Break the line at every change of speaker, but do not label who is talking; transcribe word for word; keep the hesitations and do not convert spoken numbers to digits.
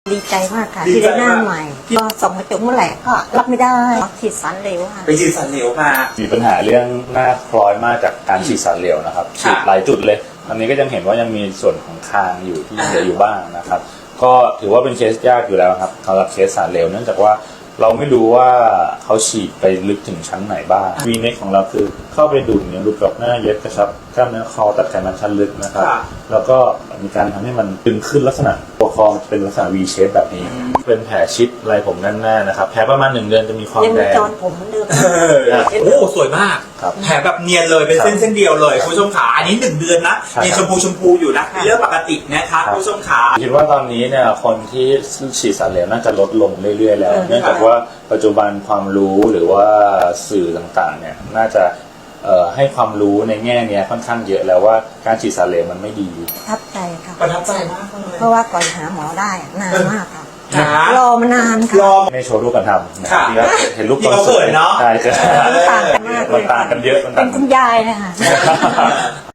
ดีใจมากค่ะที่ได้หน้าใหม่ก็ส่องกระจกเมื่อไหร่ก็รับไม่ได้ฉีดสารเหลวค่ะ
ไปฉีดสารเหลวมา
มีปัญหาเรื่องหน้าคล้อยมากจากการฉีดสารเหลวนะครับฉีดหลายจุดเลยตอนนี้ก็ยังเห็นว่ายังมีส่วนของคางอยู่ที่เหลืออยู่บ้างนะครับก็ถือว่าเป็นเคสยากอยู่แล้วครับสำหรับเคสสารเหลวเนื่องจากว่าเราไม่รู้ว่าเขาฉีดไปลึกถึงชั้นไหนบ้างวีเน็กของเราคือเข้าไปดูดเนี่ยรูปกรอบหน้าเย็บกระชับกล้ามเนื้อคอตัดไขมันชั้นลึกนะครับแล้วก็มีการทำให้มันตึงขึ้นลักษณะตัวคอเป็นลักษณะ V shape แบบนี้เป็นแผลชิดอะไรผมแน่นๆนะครับแผลประมาณหนึ่งเดือนจะมีความแดง
จอนผมเหมือนเดิม
โอ้สวยมากแผลแบบเนียนเลยเป็นเส้นเส้นเดียวเลยคุณผู้ชมขาอันนี้หนึ่งเดือนนะยังชมพูชมพูอยู่นะเรื่องปกตินะครับคุณผู้ชมขา
คิดว่าตอนนี้เนี่ยคนที่ฉีดสารเหลวน่าจะลดลงเรื่อยๆแล้วเนื่องจากว่าปัจจุบันความรู้หรือว่าสื่อต่างๆเนี่ยน่าจะให้ความรู้ในแง่นี้ค่อนข้างเยอะแล้วว่าการฉีดสารเหลวมันไม่ดี
ประทับใจค่ะ
ประทับใจมากเลย
เพราะว่าก่อนหาหมอได้นานมากค่ะรอมานานค่ะ
ไม่โชว์รูปกันทำนะครับเห็นรูปตอน
สวยเนาะ
ใช่ใช่
มันต่างกันมากเลย
มันต่างกันเยอะมัน
เป็นคุณยายนะคะ